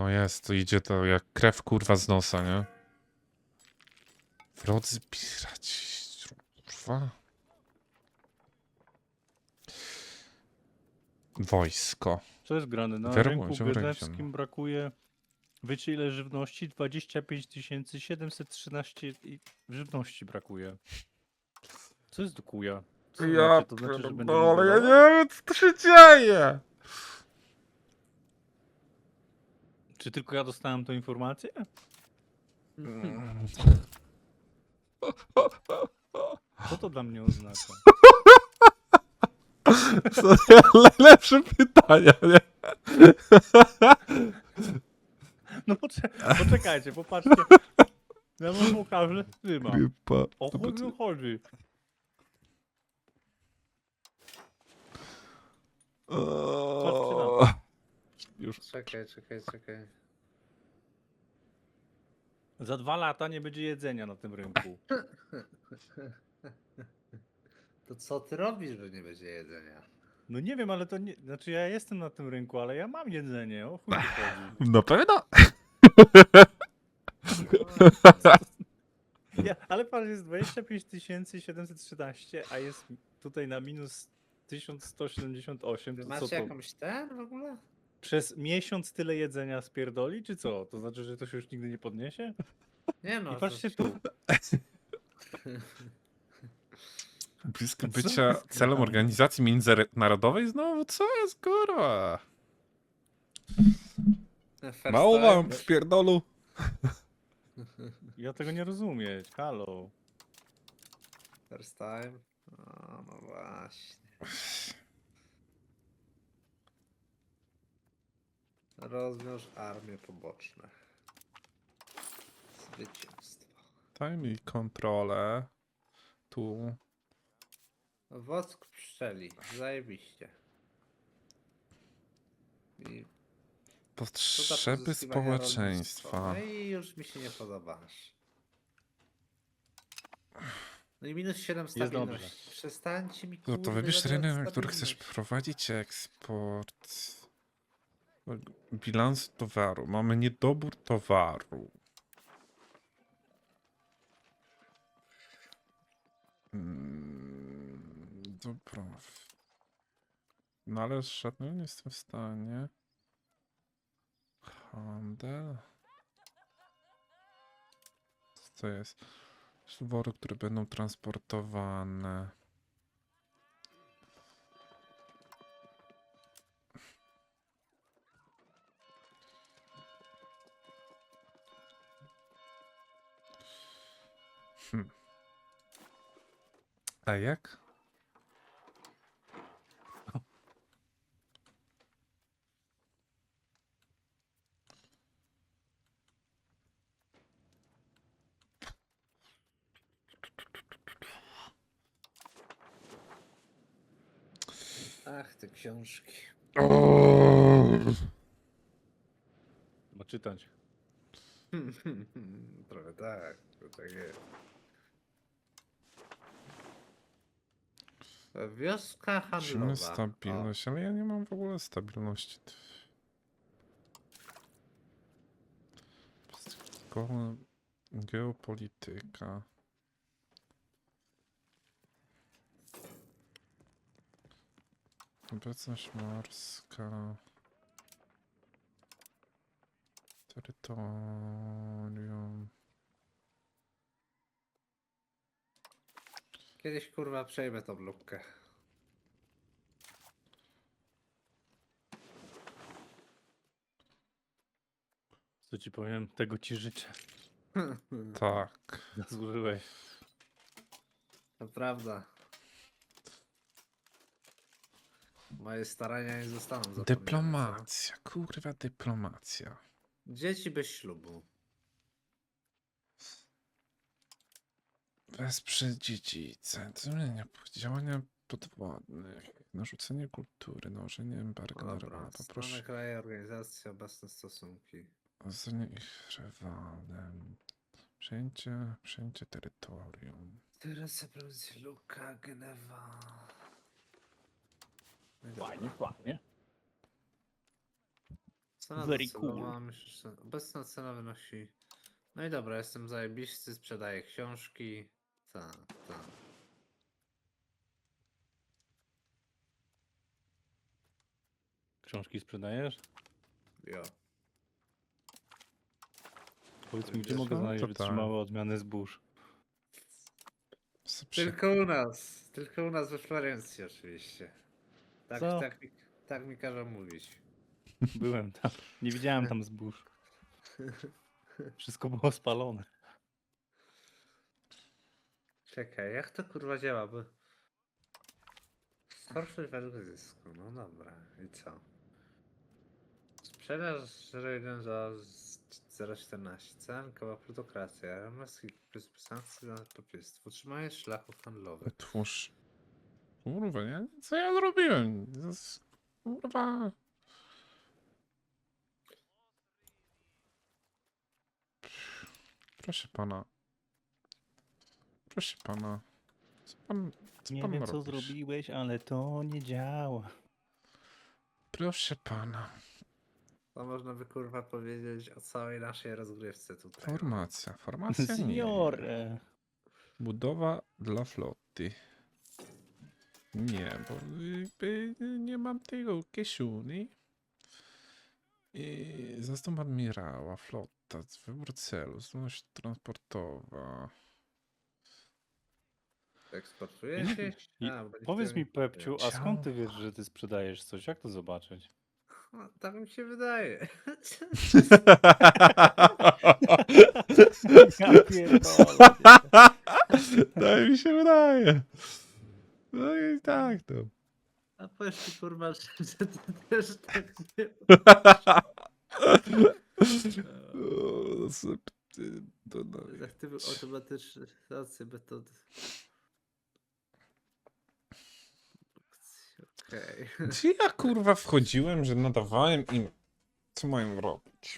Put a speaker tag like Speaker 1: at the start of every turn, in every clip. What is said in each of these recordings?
Speaker 1: No jest, to idzie to jak krew kurwa z nosa, nie? Wrodzy piraci, kurwa. Wojsko.
Speaker 2: Co jest grane? Na
Speaker 1: Werbują
Speaker 2: rynku
Speaker 1: się w region.
Speaker 2: genewskim brakuje, wiecie ile żywności? 25 713 żywności brakuje. Co jest do kuja? Co to znaczy? To znaczy, że będziemy
Speaker 1: pierdolę, ja nie
Speaker 2: głodować?
Speaker 1: wiem co tu się dzieje!
Speaker 2: Czy tylko ja dostałem tą informację? Co to dla mnie oznacza?
Speaker 1: To najlepsze pytania, nie?
Speaker 2: No poczekajcie, popatrzcie. Ja wam pokażę streama.
Speaker 1: Grypa.
Speaker 2: O chuj mi chodzi. Patrzcie na to.
Speaker 1: Już.
Speaker 3: Czekaj.
Speaker 2: Za 2 lata nie będzie jedzenia na tym rynku.
Speaker 3: To co ty robisz, że nie będzie jedzenia?
Speaker 2: No nie wiem, ale to nie... Znaczy ja jestem na tym rynku, ale ja mam jedzenie. O chuj tu chodzi.
Speaker 1: Na pewno?
Speaker 2: Ale patrz, jest 25 713, a jest tutaj na minus 1178.
Speaker 3: Wy
Speaker 2: To co
Speaker 3: macie
Speaker 2: to?
Speaker 3: jakąś ten w ogóle?
Speaker 2: Przez miesiąc tyle jedzenia spierdoli, czy co? To znaczy, że to się już nigdy nie podniesie?
Speaker 3: Nie no.
Speaker 2: I patrzcie tu.
Speaker 1: Blisko
Speaker 2: Co
Speaker 1: bycia
Speaker 2: jest
Speaker 1: celem
Speaker 2: grane?
Speaker 1: organizacji międzynarodowej znowu? Co jest kurwa?
Speaker 3: First
Speaker 1: Mało
Speaker 3: time?
Speaker 1: wam w pierdolu.
Speaker 2: Ja tego nie rozumieć. Halo.
Speaker 3: First time? O, no właśnie. Rozwiąż armię poboczne. Zwycięstwo.
Speaker 1: Daj mi kontrolę. Tu.
Speaker 3: Wosk pszczeli. Zajebiście. I
Speaker 1: Potrzeby
Speaker 3: pozyskiwania
Speaker 1: społeczeństwa.
Speaker 3: rolnictwa. No i już mi się nie podobasz. No i minus 7
Speaker 2: Jest dobrze.
Speaker 3: stabilności. Przestańcie mi
Speaker 1: No to
Speaker 3: kurde
Speaker 1: wybierz
Speaker 3: dawać
Speaker 1: rynek, na który chcesz
Speaker 3: stabilność.
Speaker 1: prowadzić eksport. Bilans towaru. Mamy niedobór towaru. Dobra. No ale żadnego nie jestem w stanie. Handel. Co to jest? Wory, które będą transportowane. A jak?
Speaker 3: Ach, te książki.
Speaker 2: Ma czytać.
Speaker 3: Trochę tak, to tak jest. Wioska
Speaker 1: Musimy
Speaker 3: handlowa.
Speaker 1: stabilność, ale ja nie mam w ogóle stabilności. Geopolityka. Obecność morska. Terytorium.
Speaker 3: Kiedyś kurwa przejmę tą lubkę.
Speaker 2: Co ci powiem? Tego ci życzę.
Speaker 1: Tak.
Speaker 2: Zasłużyłeś.
Speaker 3: To prawda. Moje starania nie zostaną zapomniane. co?
Speaker 1: Dyplomacja, kurwa dyplomacja.
Speaker 3: Dzieci bez ślubu.
Speaker 1: Wesprze dziedzice, działania podwładnych, narzucenie kultury, nałożenie embarga na
Speaker 3: Dobra,
Speaker 1: ryba,
Speaker 3: strony
Speaker 1: poproszę
Speaker 3: kraje, organizacje, obecne stosunki.
Speaker 1: o ocenie ich rywalem, przejęcie terytorium.
Speaker 3: Teresa, prowincja Luka, Genewa. No i dobra.
Speaker 2: Fajnie, fajnie.
Speaker 3: Cena
Speaker 2: Very
Speaker 3: docelowa,
Speaker 2: cool.
Speaker 3: myślę, że obecna cena wynosi... No i dobra, jestem zajebisty, sprzedaję książki. Tak, tak.
Speaker 2: Książki sprzedajesz?
Speaker 3: Jo.
Speaker 2: Powiedz mi, gdzie
Speaker 3: Wiesz,
Speaker 2: mogę
Speaker 1: no,
Speaker 2: znaleźć
Speaker 1: to tak.
Speaker 2: wytrzymałe odmiany zbóż?
Speaker 3: Tylko u nas we Florencji oczywiście. Tak,
Speaker 2: Co?
Speaker 3: tak mi każą mówić.
Speaker 2: Byłem tam. Nie widziałem tam zbóż. Wszystko było spalone.
Speaker 3: Czekaj, jak to kurwa działa, bo... Skorszeń według zysku, no dobra, i co? Sprzedaż 0,1 za 0,14, cenkowa plutokracja, RMS plus sankcje za papierstwo, utrzymanie szlachów handlowych.
Speaker 1: Otwórz. Kurwa, nie? Co ja zrobiłem? Kurwa. Proszę pana. Proszę pana. Co
Speaker 2: Nie
Speaker 1: pan
Speaker 2: wiem, co
Speaker 1: robisz?
Speaker 2: zrobiłeś, ale to nie działa.
Speaker 1: Proszę pana.
Speaker 3: To można by kurwa powiedzieć o całej naszej rozgrywce tutaj.
Speaker 1: Formacja. Formacja nie.
Speaker 2: Signore.
Speaker 1: Budowa dla floty. Nie, bo jakby nie mam tego kieszeni. I zastąp admirała, flota, wybór celu, zdolność transportowa.
Speaker 3: Eksportuje się?
Speaker 2: I
Speaker 3: A, bo
Speaker 2: powiedz mi,
Speaker 3: niektórzy nie
Speaker 2: Pepciu,
Speaker 3: kupują.
Speaker 2: a skąd ty wiesz, że ty sprzedajesz coś? Jak to zobaczyć?
Speaker 3: No, tak mi się wydaje.
Speaker 2: Ja pierdolę.
Speaker 1: Tak mi się wydaje. No i tak to.
Speaker 3: A powiedz mi kurwa, że ty też tak nie...
Speaker 1: O, to no.
Speaker 3: Aktywy automatyczne, stacje metody. Okej.
Speaker 1: Gdzie ja kurwa wchodziłem, że nadawałem im, co mają robić?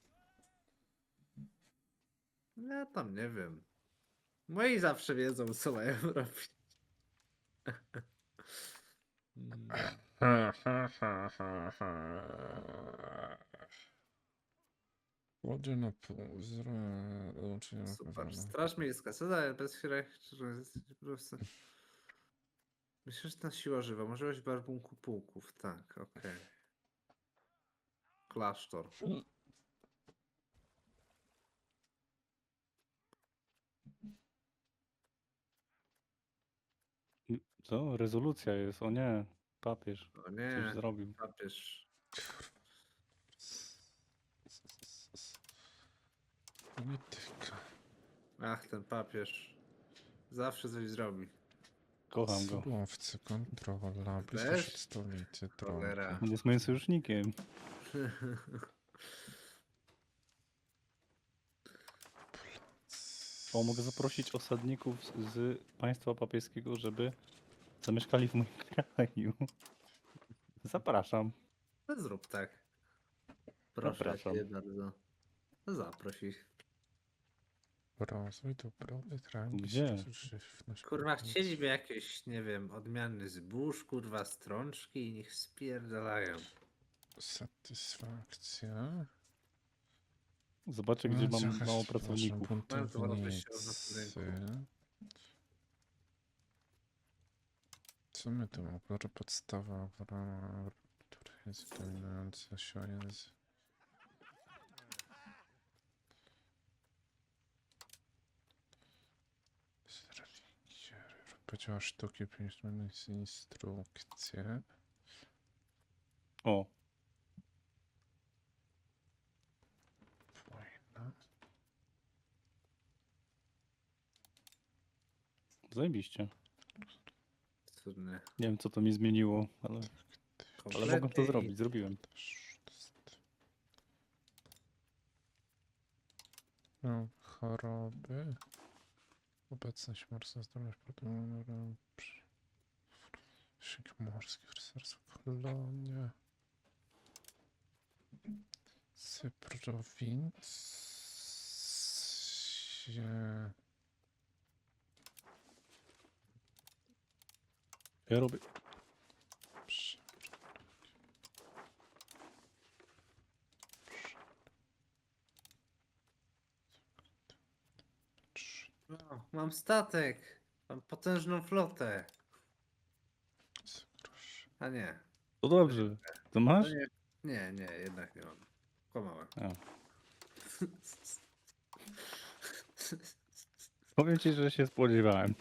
Speaker 3: Ja tam nie wiem. Moi zawsze wiedzą, co mają robić.
Speaker 1: Łodzie na pół, dołączenie na
Speaker 3: Super.
Speaker 1: pewno.
Speaker 3: Straż miejska. Co daje bez po. Myślę, siła żywa. Możliwość barbunku pułków. Tak, okej. Klasztor.
Speaker 2: Co? Rezolucja jest, o nie. Papież
Speaker 3: O
Speaker 2: coś
Speaker 3: nie,
Speaker 2: zrobił.
Speaker 3: papież.
Speaker 1: Polityka.
Speaker 3: Ach, ten papież. Zawsze coś zrobi.
Speaker 2: Kocham go.
Speaker 1: Surowce, kontrola, bliskość
Speaker 3: Też?
Speaker 1: od stolicy,
Speaker 3: Cholera.
Speaker 1: drogi.
Speaker 2: On jest moim sojusznikiem. O, mogę zaprosić osadników z państwa papieskiego, żeby zamieszkali w moim kraju. Zapraszam.
Speaker 3: No zrób tak. Proszę
Speaker 2: Zapraszam.
Speaker 3: cię bardzo. No zaproś ich.
Speaker 1: Rozwój dobrobyt,
Speaker 2: Gdzie?
Speaker 1: żywność.
Speaker 3: Kurwa, chcieliby jakieś, nie wiem, odmiany zbóż, kurwa, strączki i niech spierdalają.
Speaker 1: Satysfakcja.
Speaker 2: Zobaczę, gdzie mam mało pracowników.
Speaker 3: Mają to wartość na rynku.
Speaker 1: Co my tu mamy? Kolor podstawa, która jest dominująca siła języka. Powiedziała sztuki, 5 minut instrukcje.
Speaker 2: O,
Speaker 1: Wojna.
Speaker 2: zajebiście.
Speaker 3: Cudne.
Speaker 2: Nie wiem, co to mi zmieniło, ale mogłem to
Speaker 3: Kompletnie
Speaker 2: zrobić. Zrobiłem.
Speaker 1: No, choroby. Obecność morska, zdolność produkcji. Szyk morski, rycerstwo, kolonia. Cyprowincja.
Speaker 2: Ja robię.
Speaker 3: Mam statek. Mam potężną flotę.
Speaker 1: Proszę.
Speaker 3: A nie.
Speaker 2: To dobrze. To
Speaker 3: To
Speaker 2: masz?
Speaker 3: nie. Nie, jednak nie mam. Kłamałem.
Speaker 2: A. Powiem ci, że się spodziewałem.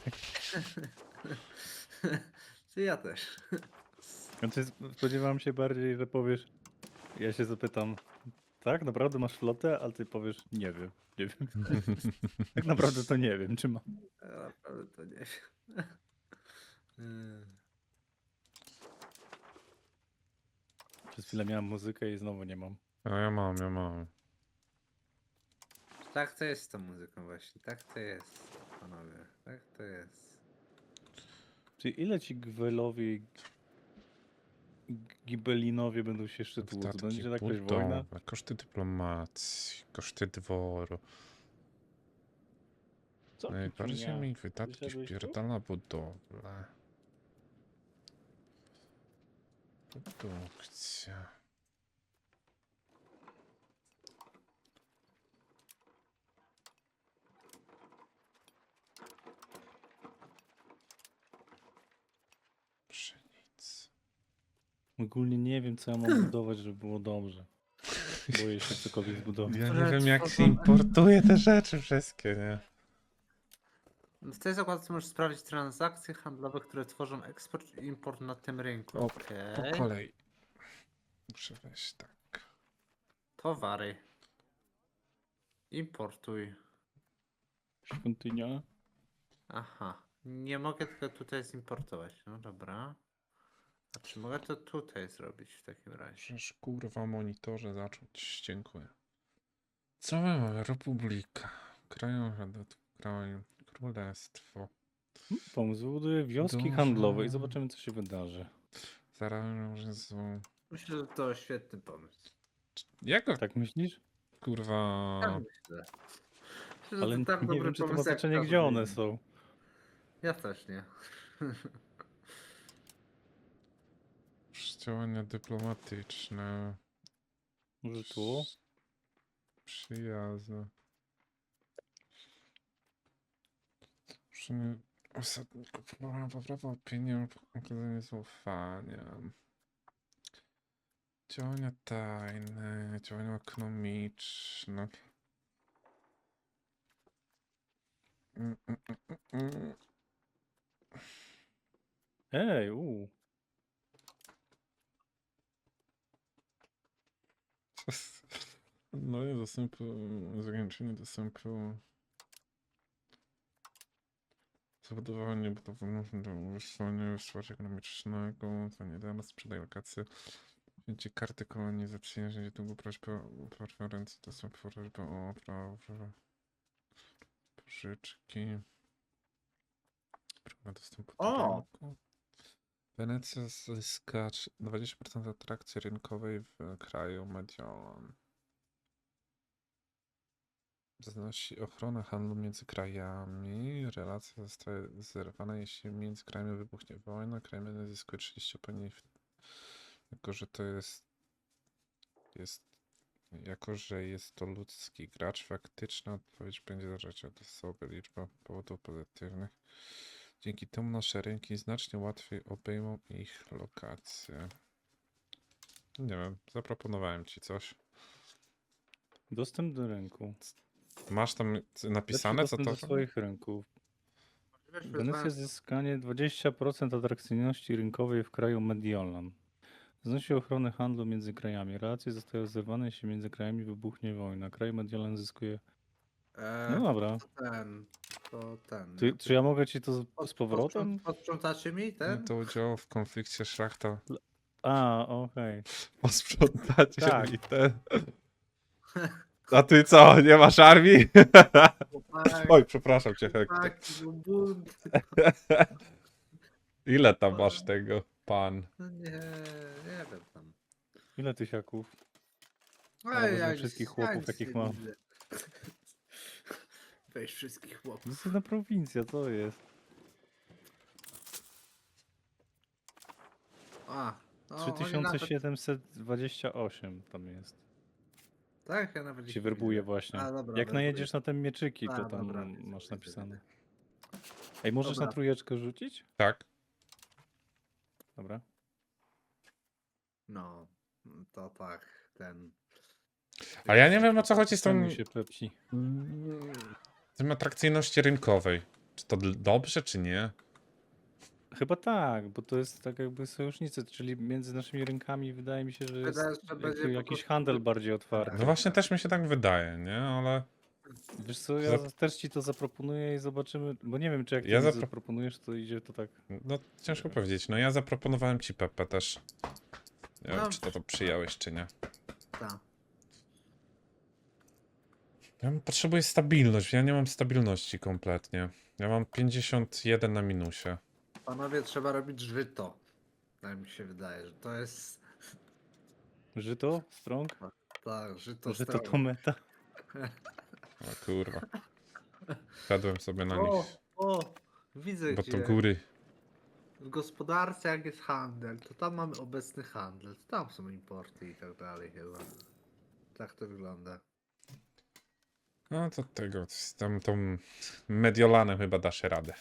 Speaker 3: Czy ja też.
Speaker 2: Znaczy, spodziewałem się bardziej, że powiesz. Ja się zapytam, tak, naprawdę masz flotę? A ty powiesz, nie wiem. Nie wiem. Tak naprawdę to nie wiem, czy mam.
Speaker 3: Ja naprawdę to nie wiem.
Speaker 2: Przez chwilę miałem muzykę i znowu nie mam.
Speaker 1: A ja mam.
Speaker 3: Tak to jest z tą muzyką właśnie. Tak to jest, panowie. Tak to jest.
Speaker 2: Czyli ile ci Gwelowi i Gibelinowie będą się jeszcze tłuc?
Speaker 1: Wydatki
Speaker 2: Będzie jakaś wojna?
Speaker 1: budowy, koszty dyplomacji, koszty dworu.
Speaker 2: Co ty
Speaker 1: Najbardziej
Speaker 2: ciunia?
Speaker 1: mi wydatki
Speaker 2: Wyszedłeś tu?
Speaker 1: wpierdala budowlę. Produkcja. Pszenica.
Speaker 2: Ogólnie nie wiem, co ja mam budować, żeby było dobrze. Boję się cokolwiek zbudować.
Speaker 1: Ja nie
Speaker 3: Które
Speaker 1: wiem jak się
Speaker 3: tworzą-
Speaker 1: importuje te rzeczy wszystkie, nie?
Speaker 3: W tej zakładce możesz sprawdzić transakcje handlowe, które tworzą eksport i import na tym rynku.
Speaker 1: O,
Speaker 3: Okej.
Speaker 1: Po kolei. Muszę wejść tak.
Speaker 3: Towary. Importuj.
Speaker 2: Świątynia?
Speaker 3: Aha. Nie mogę tego tutaj zimportować. No dobra. A czy mogę to tutaj zrobić w takim razie?
Speaker 1: Przecież kurwa monitorze zacząć. Dziękuję. Co my mamy? Republika. Kraj, królestwo.
Speaker 2: Pomysł, wybuduję wioski
Speaker 1: Dużo.
Speaker 2: handlowe i zobaczymy, co się wydarzy.
Speaker 1: Zaraz są.
Speaker 3: Myślę, że to świetny pomysł.
Speaker 1: Jako
Speaker 2: Tak myślisz?
Speaker 1: kurwa.
Speaker 3: Tak myślę. Myślę, że
Speaker 2: Ale
Speaker 3: to tak
Speaker 2: nie
Speaker 3: dobry
Speaker 2: wiem, czy to ma
Speaker 3: pomysł, jak
Speaker 2: znaczenie,
Speaker 3: każdy
Speaker 2: gdzie one
Speaker 3: inny.
Speaker 2: są.
Speaker 3: Ja też nie.
Speaker 1: Działania dyplomatyczne.
Speaker 2: Może tu?
Speaker 1: Przyjazne. Uczenie osadników. Poprawa opinii, okazanie zaufania. Działania tajne, działania ekonomiczne. Mm, mm, mm, mm.
Speaker 2: Ej,
Speaker 1: No i dostępu, zagraniczenie dostępu. Zabudowanie budowlanego wysłania wsparcia ekonomicznego, to nie da, sprzedaje lokacje. Wzięcie karty kolonizacyjne, że długo prośbę o preferencje, dostęp prośbę o prawo pożyczki. Prawa dostępu do
Speaker 3: O!
Speaker 1: rynku. Wenecja zyska 20% atrakcji rynkowej w kraju Mediolan. Zanosi ochronę handlu między krajami. Relacja zostaje zerwana, jeśli między krajami wybuchnie wojna. Kraj jeden zyskuje 30 opinii, jako że to jako że jest to ludzki gracz, faktyczna odpowiedź będzie zależeć od osoby. Liczba powodów pozytywnych. Dzięki temu nasze rynki znacznie łatwiej obejmą ich lokacje. Nie wiem, zaproponowałem ci coś.
Speaker 2: dostęp do rynku.
Speaker 1: Masz tam
Speaker 2: Lepszy
Speaker 1: napisane, co
Speaker 2: dostęp
Speaker 1: to?
Speaker 2: do swoich rynków.
Speaker 3: Weźmy
Speaker 2: Wenecja zyskanie 20% atrakcyjności rynkowej w kraju Mediolan. Znosi ochronę handlu między krajami. Relacje zostają zerwane, jeśli między krajami wybuchnie wojna. Kraj Mediolan zyskuje... No dobra.
Speaker 3: To ten.
Speaker 2: Czy ja mogę ci to z powrotem?
Speaker 3: Posprzątacie mi
Speaker 1: Nie
Speaker 3: ten?
Speaker 1: to udział w konflikcie szlachta.
Speaker 2: A, okej.
Speaker 1: Posprzątacie
Speaker 2: Tak.
Speaker 1: i ten. A ty co, nie masz armii? Oj, przepraszam cię, Hektor.
Speaker 3: Chłopaki, był bunt.
Speaker 1: Ile tam masz tego, pan?
Speaker 3: No nie wiem tam.
Speaker 2: Ile tysiaków?
Speaker 3: Ej,
Speaker 2: wezmę wszystkich chłopów, jakich mam.
Speaker 3: Weź wszystkich
Speaker 2: To
Speaker 3: chłopów.
Speaker 2: jest jedna prowincja, co jest?
Speaker 3: A, no, oni nawet,
Speaker 2: 3728 tam jest.
Speaker 3: tak, ja nawet
Speaker 2: Się
Speaker 3: ich nie
Speaker 2: werbuje
Speaker 3: widzę.
Speaker 2: właśnie.
Speaker 3: A, dobra,
Speaker 2: Jak
Speaker 3: werbuję.
Speaker 2: najedziesz na te mieczyki, to
Speaker 3: A,
Speaker 2: tam
Speaker 3: dobra, widzę,
Speaker 2: masz
Speaker 3: widzę,
Speaker 2: napisane.
Speaker 3: widzę.
Speaker 2: Ej, możesz na
Speaker 3: Dobra.
Speaker 2: trójeczkę rzucić?
Speaker 1: Tak.
Speaker 2: Dobra.
Speaker 3: No, to tak, ten...
Speaker 1: Ale ja nie wiem, o co chodzi z tą
Speaker 2: Przejmuj się Pepsi.
Speaker 1: tym atrakcyjności rynkowej. Czy to dobrze, czy nie?
Speaker 2: Chyba tak, bo to jest tak jakby sojusznicy, czyli między naszymi rynkami wydaje mi się, że jest
Speaker 3: Wydaje się, że będzie po
Speaker 2: jakiś
Speaker 3: prostu-
Speaker 2: handel bardziej otwarty.
Speaker 1: No właśnie też mi się tak wydaje, nie? Ale
Speaker 2: Wiesz co, ja też ci to zaproponuję i zobaczymy, bo nie wiem, czy jak ty
Speaker 1: Ja
Speaker 2: mi
Speaker 1: zapro-
Speaker 2: zaproponujesz, to idzie to tak.
Speaker 1: no ciężko powiedzieć. No ja zaproponowałem ci Pepe też. Nie wiem,
Speaker 3: No.
Speaker 1: czy to przyjąłeś, czy nie.
Speaker 3: Ta.
Speaker 1: Ja potrzebuję stabilność. Ja nie mam stabilności kompletnie. Ja mam 51 na minusie.
Speaker 3: Panowie, trzeba robić żyto. Tak mi się wydaje, że to jest...
Speaker 2: Żyto? Strong?
Speaker 3: Tak, żyto
Speaker 2: Żyto
Speaker 3: strong.
Speaker 2: to meta.
Speaker 1: O kurwa. Wpadłem sobie na
Speaker 3: O,
Speaker 1: nich.
Speaker 3: o, widzę
Speaker 1: Bo
Speaker 3: gdzie.
Speaker 1: to góry.
Speaker 3: W gospodarce jak jest handel, to tam mamy obecny handel, to tam są importy i tak dalej chyba. Tak to wygląda.
Speaker 1: No to tego, z tą Mediolanem chyba dasz radę.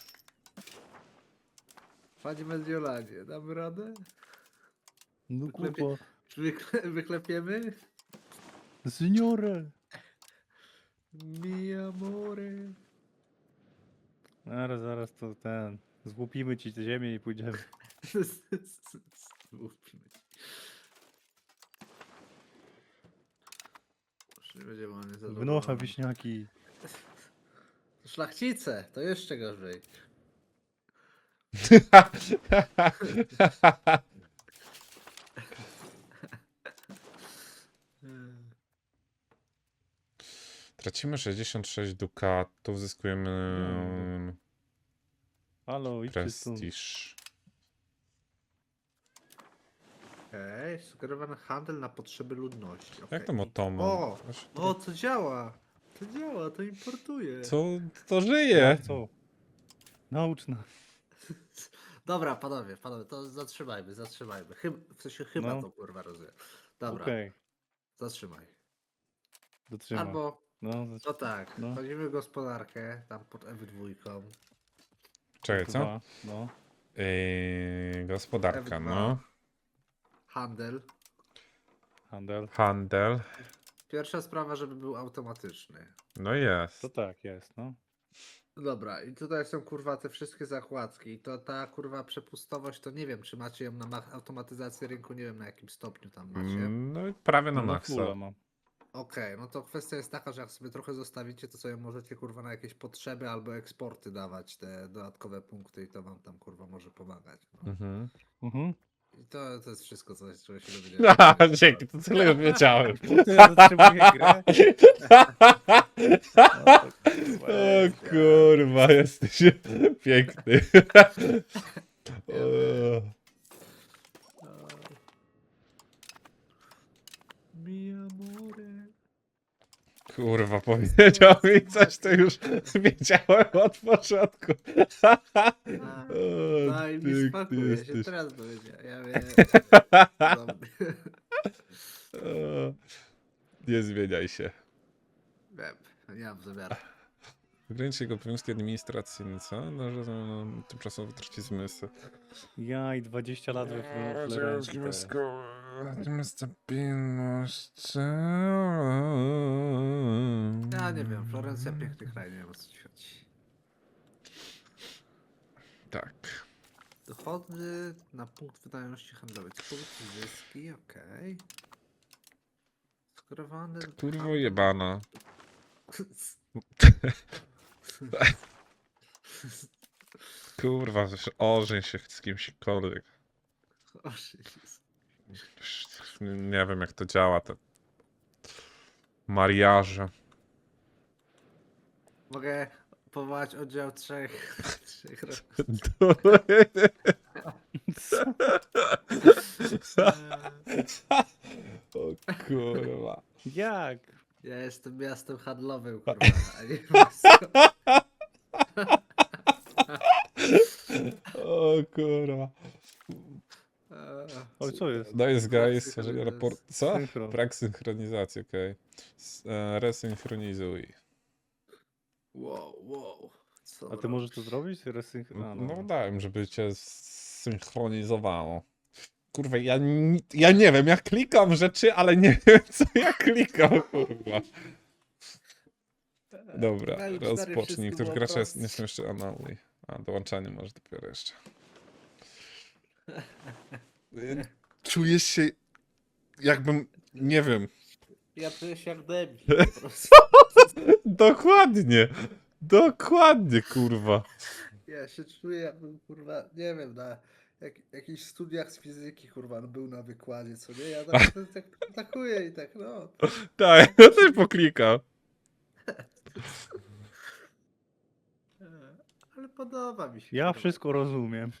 Speaker 3: Panie Mediolanie, damy radę?
Speaker 2: No
Speaker 3: Wyklepie-
Speaker 2: kurwa.
Speaker 3: Wyklepiemy?
Speaker 2: Seniore!
Speaker 3: Mi amore.
Speaker 2: Zaraz to złupimy ci tę ziemię i pójdziemy.
Speaker 3: Mówmy. Już nie będzie mamy zadowolony.
Speaker 2: Wynocha wiśniaki.
Speaker 3: Szlachcice, to jeszcze gorzej.
Speaker 1: Tracimy 66 dukatów, zyskujemy
Speaker 2: Halo, idźcie stąd.
Speaker 1: prestiż.
Speaker 3: Okej, sugerowany handel na potrzeby ludności.
Speaker 1: Jak
Speaker 3: okej.
Speaker 1: tam Otoman?
Speaker 3: O! O, to działa! To działa, to importuje.
Speaker 1: Co? To żyje!
Speaker 2: Jak co? Naucz nas.
Speaker 3: Dobra, panowie, to zatrzymajmy. W sensie chyba
Speaker 2: No.
Speaker 3: to kurwa rozumiem. Dobra,
Speaker 2: Okej,
Speaker 3: zatrzymaj.
Speaker 2: dotrzymaj.
Speaker 3: Albo,
Speaker 2: No,
Speaker 3: no tak,
Speaker 2: No.
Speaker 3: wchodzimy w gospodarkę, tam pod F2.
Speaker 1: Czekaj, co?
Speaker 2: dwa, no.
Speaker 1: Gospodarka,
Speaker 3: F2.
Speaker 1: no.
Speaker 3: Handel.
Speaker 2: Handel.
Speaker 1: Handel.
Speaker 3: Pierwsza sprawa, żeby był automatyczny.
Speaker 1: No jest.
Speaker 2: To tak jest, no.
Speaker 3: Dobra, i tutaj są kurwa te wszystkie zakładki. I to ta kurwa przepustowość, to nie wiem, czy macie ją na automatyzację rynku, nie wiem na jakim stopniu tam macie.
Speaker 1: No i prawie na
Speaker 2: No,
Speaker 1: maksa.
Speaker 2: fulla mam.
Speaker 3: Okej, no to kwestia jest taka, że jak sobie trochę zostawicie, to sobie możecie kurwa na jakieś potrzeby albo eksporty dawać te dodatkowe punkty i to wam tam kurwa może pomagać. No.
Speaker 1: Mhm.
Speaker 2: Mhm.
Speaker 3: I to jest wszystko, czego się dowiedziałem.
Speaker 1: Dzięki, to tyle już wiedziałem.
Speaker 2: Ja zatrzymuję grę.
Speaker 1: O kurwa, jesteś piękny. O,
Speaker 3: Mi amore.
Speaker 1: kurwa, powiedział mi coś, to już wiedziałem od początku. O,
Speaker 3: Daj mi
Speaker 1: ty
Speaker 3: spokój, ja się
Speaker 1: jesteś.
Speaker 3: teraz dowiedziałem. Ja wiem. Dobra.
Speaker 1: O, nie zmieniaj się.
Speaker 3: Wiem, nie mam zamiaru.
Speaker 1: Ograniczy jego obowiązki administracyjne, co? No, że tymczasowo traci zmysł.
Speaker 2: Ja i 20 lat we Florencji.
Speaker 1: Stabilność.
Speaker 3: Ja nie wiem, Florencja piękny kraj, nie wiem o co ci chodzi.
Speaker 1: Tak.
Speaker 3: Dochody na punkt wydajności handlowej. Punkty zyski, okej. Skorowany.
Speaker 1: Kurwo jebana. Kurwa, ożeń się z kimśkolwiek. Nie wiem jak to działa, te mariaże.
Speaker 3: Mogę powołać oddział trzech roków.
Speaker 1: O kurwa.
Speaker 2: Jak?
Speaker 3: Ja jestem miastem handlowym, kurwa, a nie miastem.
Speaker 1: O kurwa.
Speaker 2: O, co jest?
Speaker 1: No jest
Speaker 3: Brak
Speaker 1: guy, stworzenie
Speaker 3: synchronizacji.
Speaker 1: raport. Co?
Speaker 2: Synchron.
Speaker 1: Brak synchronizacji, okej. Resynchronizuj.
Speaker 3: Wow, wow. Co
Speaker 2: A ty możesz to
Speaker 3: robisz?
Speaker 2: zrobić?
Speaker 1: No dałem, żeby cię synchronizowało. Kurwa, ja nie wiem, ja klikam rzeczy, ale nie wiem, co ja klikam, kurwa. Dobra,
Speaker 3: Na U4
Speaker 1: rozpocznij.
Speaker 3: wszystko
Speaker 1: Niektórzy
Speaker 3: było
Speaker 1: gracze
Speaker 3: proste.
Speaker 1: nie są jeszcze anali. A, dołączanie może dopiero jeszcze. Czujesz się jakbym, nie wiem.
Speaker 3: Ja czuję się jak debil po prostu.
Speaker 1: Dokładnie. Dokładnie, kurwa.
Speaker 3: Ja się czuję jakbym, kurwa, nie wiem, na jakichś studiach z fizyki, kurwa, był na wykładzie, co nie? Ja tak atakuję i tak, no.
Speaker 1: Tak, ja też poklikam.
Speaker 3: Ale podoba mi się.
Speaker 2: Ja
Speaker 3: kurwa.
Speaker 2: wszystko rozumiem.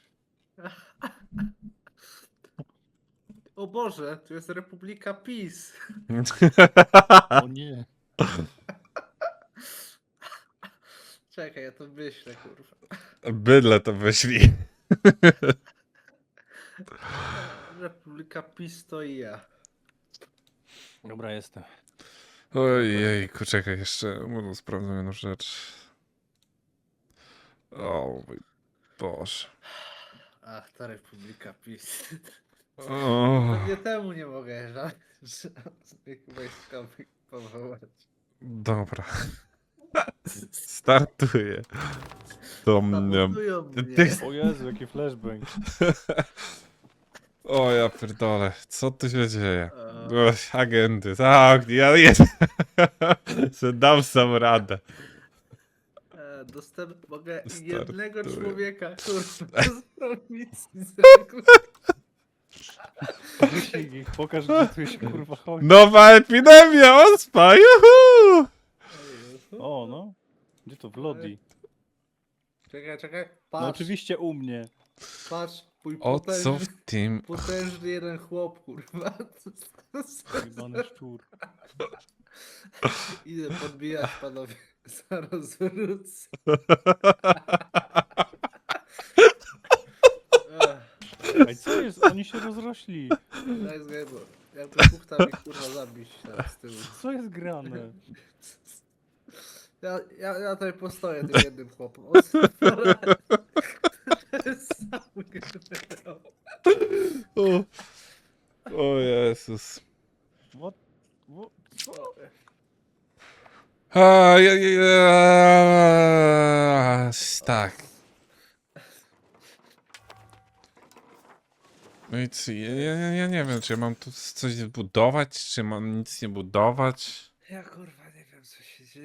Speaker 3: O Boże, tu jest Republika PiS.
Speaker 2: O nie.
Speaker 3: Czekaj, ja to myślę, kurwa.
Speaker 1: Bydle to wyślij.
Speaker 3: Republika PiS to i ja.
Speaker 2: Dobra, jestem.
Speaker 1: Ojejku, czekaj, jeszcze sprawdzę jedną rzecz. O mój Boże.
Speaker 3: Ach, ta Republika PiS.
Speaker 1: O,
Speaker 3: Pewnie temu nie mogę żadnych wojskowych powołać.
Speaker 1: dobra. Startuję. To
Speaker 3: Sabotują mnie.
Speaker 1: ty-
Speaker 2: O Jezu, jaki flashbang.
Speaker 1: O ja pierdolę, co tu się dzieje?
Speaker 3: E,
Speaker 1: Agenty, tak, ja jest. Dam sam radę.
Speaker 3: mogę
Speaker 1: Startuj.
Speaker 3: jednego człowieka, kurwa, z prowincji
Speaker 2: Wyścig ich, pokaż gdzie tu się kurwa chodzi.
Speaker 1: Nowa epidemia, ospa, juhu!
Speaker 2: O, no. Gdzie to? W Lodi.
Speaker 3: Czekaj,
Speaker 2: No
Speaker 3: patrz,
Speaker 2: oczywiście u mnie.
Speaker 3: patrz, mój
Speaker 1: O co w tym?
Speaker 3: potężny jeden chłop, kurwa.
Speaker 2: Jebany szczur.
Speaker 3: Idę podbijać, panowie, zaraz wrócę.
Speaker 2: Ej, co jest? Oni się rozrośli.
Speaker 3: Daj zgadzam. Ja tu puchta mi kurwa zabić teraz z tyłu.
Speaker 2: Co jest grane?
Speaker 3: Ja tutaj postoję tym jednym chłopem. On to jest sam generał.
Speaker 1: O Jezus.
Speaker 2: What? Co?
Speaker 1: A, tak. No i co, ja nie wiem, czy ja mam tu coś budować, czy mam nic nie budować.
Speaker 3: Ja kurwa nie wiem co się dzieje.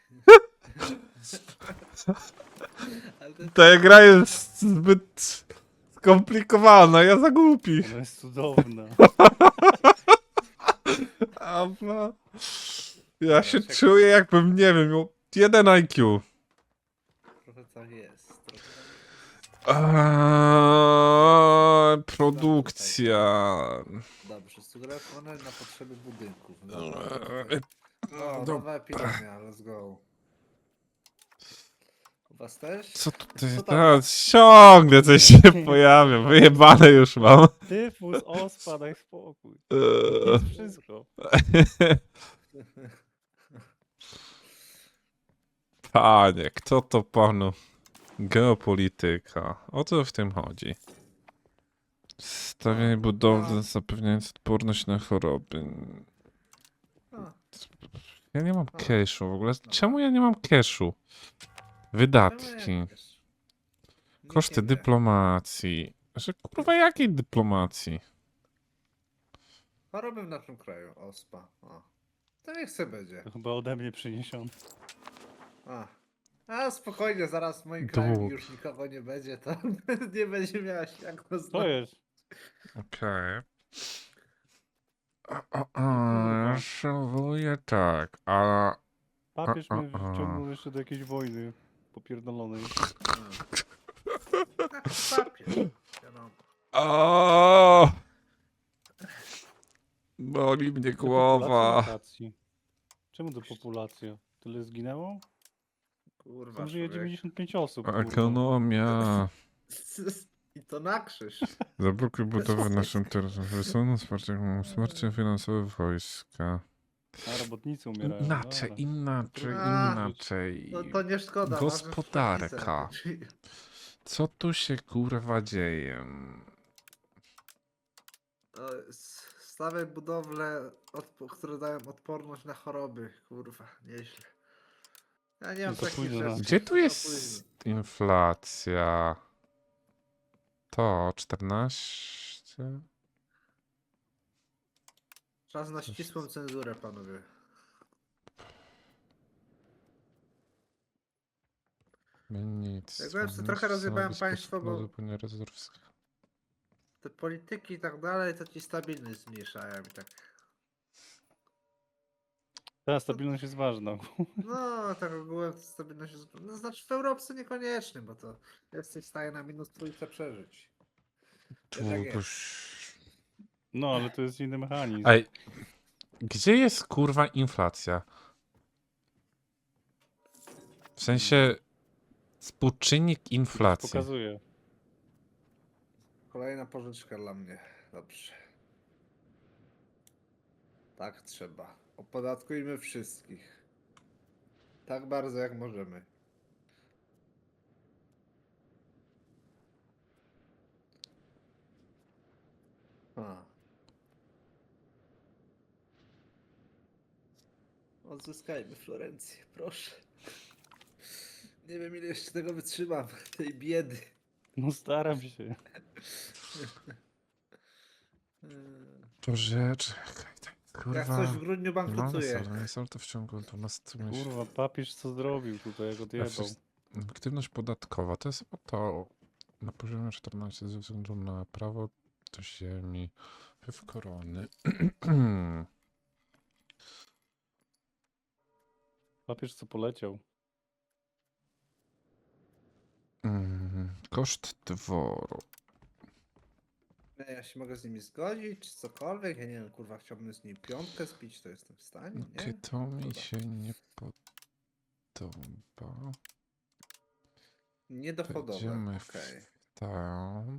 Speaker 3: Ale to
Speaker 1: Ta gra jest zbyt skomplikowana, ja za głupi.
Speaker 2: Ona jest cudowna.
Speaker 1: Abla. Ja się czuję jakbym, nie wiem, miał 1 IQ.
Speaker 3: trochę tak jest. Trochę tak jest.
Speaker 1: Produkcja.
Speaker 3: Dobrze, sugerowane na potrzeby budynków.
Speaker 1: Eee,
Speaker 3: O,
Speaker 1: no,
Speaker 3: nowa epidemia, let's go. U was też?
Speaker 1: Co tutaj?
Speaker 3: Co tam?
Speaker 1: Ciągle coś się pojawia. Wyjebane już mam.
Speaker 2: Tyfus, ospa, daj spokój.
Speaker 1: Eee.
Speaker 2: Jest wszystko.
Speaker 1: Panie, kto to panu? Geopolityka. O co w tym chodzi? Stawianie budowli zapewniając odporność na choroby.
Speaker 3: A,
Speaker 1: Ja nie mam cashu w ogóle. Czemu ja nie mam cashu? Wydatki.
Speaker 3: czemu jak wiesz? Nikt
Speaker 1: Koszty
Speaker 3: nie wie.
Speaker 1: dyplomacji. Że kurwa jakiej dyplomacji?
Speaker 3: Choroby w naszym kraju, ospa. O. To niech se będzie.
Speaker 2: To chyba ode mnie przyniesiony.
Speaker 3: A spokojnie, zaraz w moim kraju
Speaker 1: Dług.
Speaker 3: już nikogo nie będzie, to nie będzie miała się jak to
Speaker 2: Co
Speaker 3: znać.
Speaker 2: jest?
Speaker 1: Okej.
Speaker 2: Kurwa.
Speaker 1: Ja szanuję tak, a...
Speaker 2: Papież mnie
Speaker 1: a.
Speaker 2: wciągnął jeszcze do jakiejś wojny popierdolonej.
Speaker 3: Papier. Wiadomo.
Speaker 1: O! Boli mnie
Speaker 2: Do
Speaker 1: głowa.
Speaker 2: populacji lokacji. Czemu to populacja? Tyle zginęło?
Speaker 3: Kurwa,
Speaker 2: Tam żyje
Speaker 3: człowiek.
Speaker 2: 95 osób. kurwa.
Speaker 1: Ekonomia.
Speaker 3: I to na krzyż.
Speaker 1: Zablokuj budowę naszym terenem. Wysuną wsparcie finansowe wojska.
Speaker 2: A robotnicy umierają.
Speaker 1: Inaczej,
Speaker 2: dobra.
Speaker 1: inaczej,
Speaker 3: A,
Speaker 1: inaczej.
Speaker 3: No to nie szkoda. ważne, że
Speaker 1: Gospodarka.
Speaker 3: pszenice.
Speaker 1: Co tu się kurwa dzieje?
Speaker 3: Stawiaj budowle, które dają odporność na choroby. Kurwa, nieźle. Ja nie mam
Speaker 2: No to
Speaker 3: takich
Speaker 2: późno, no.
Speaker 3: rzeczy.
Speaker 1: Gdzie tu
Speaker 3: Za
Speaker 1: jest
Speaker 3: późno.
Speaker 1: inflacja? To 14?
Speaker 3: Czas na ścisłą cenzurę, panowie.
Speaker 1: Nic.
Speaker 3: Jak byłem sobie trochę rozjebałem państwo, bo te polityki i tak dalej, to ci stabilność zmniejszają i tak.
Speaker 2: Ta stabilność jest ważna.
Speaker 3: No, tak ogółem to stabilność jest... No, znaczy w Europce niekoniecznie, bo to jesteś w stanie na minus trójce przeżyć. Wiesz, jak jest.
Speaker 2: No, ale to jest inny mechanizm.
Speaker 1: Ej, gdzie jest kurwa inflacja? W sensie współczynnik
Speaker 2: Już
Speaker 1: inflacji.
Speaker 2: pokazuje.
Speaker 3: Kolejna pożyczka dla mnie. Dobrze. Tak trzeba. Opodatkujmy wszystkich. Tak bardzo jak możemy. A. Odzyskajmy Florencję, proszę. Nie wiem ile jeszcze tego wytrzymam, tej biedy.
Speaker 2: No staram się.
Speaker 1: Boże, czekaj, tak,
Speaker 3: Jak
Speaker 1: kurwa.
Speaker 3: coś w grudniu bankrutuje.
Speaker 1: Nie są to w ciągu 12 miesięcy.
Speaker 2: Kurwa, papież co zrobił tutaj, jak odjebał.
Speaker 1: Aktywność podatkowa to jest to na poziomie 14 ze względu na prawo do ziemi, wpływ korony.
Speaker 2: Papież co poleciał.
Speaker 1: Koszt dworu.
Speaker 3: Nie, ja się mogę z nimi zgodzić, czy cokolwiek. Ja nie wiem, kurwa, chciałbym z nimi piątkę spić, to jestem w stanie, nie?
Speaker 1: Okej, to mi
Speaker 3: Dobra.
Speaker 1: się nie podoba.
Speaker 3: Niedochodowe,
Speaker 1: Będziemy
Speaker 3: okej.
Speaker 1: w tam.